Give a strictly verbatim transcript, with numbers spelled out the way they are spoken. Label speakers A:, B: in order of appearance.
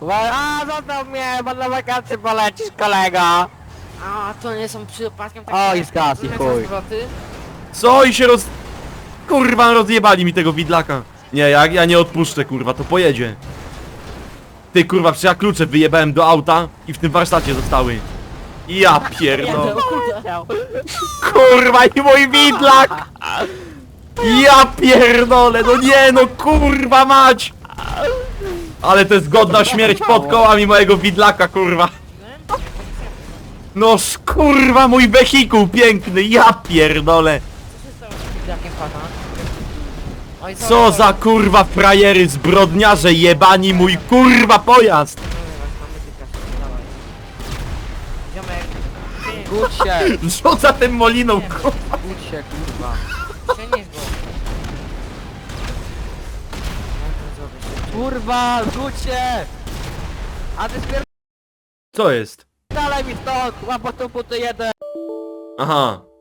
A: A, zostaw mnie, bo na wakacje polecisz, kolego.
B: A to nie są przypadkiem takie...
A: O, i zgasł, i
B: takie
A: chuj.
B: zwroty?
C: Co i się roz... Kurwa, rozjebali mi tego widlaka. Nie, ja, ja nie odpuszczę, kurwa, to pojedzie. Ty, kurwa, przecież ja klucze wyjebałem do auta i w tym warsztacie zostały. Ja pierdolę. Kurwa, i mój widlak! Ja pierdolę, no nie, no kurwa mać! Ale to jest godna śmierć pod kołami mojego widlaka, kurwa. No kurwa, mój wehikuł piękny, ja pierdolę.
B: Co się stało z widakiem pana? Oj,
C: Co za kurwa frajery, zbrodniarze jebani mój kurwa pojazd!
B: Mamy tylko, dawaj. Ziomek, ty,
A: Budź się,
C: Rzuca tym moliną, kurwa.
A: budź się, kurwa.
B: przenieś go. Jak to zrobisz?
A: Kurwa, budź się! A ty
C: Co jest?
A: spierdalaj mi stąd, łapotą buty jeden!
C: Aha.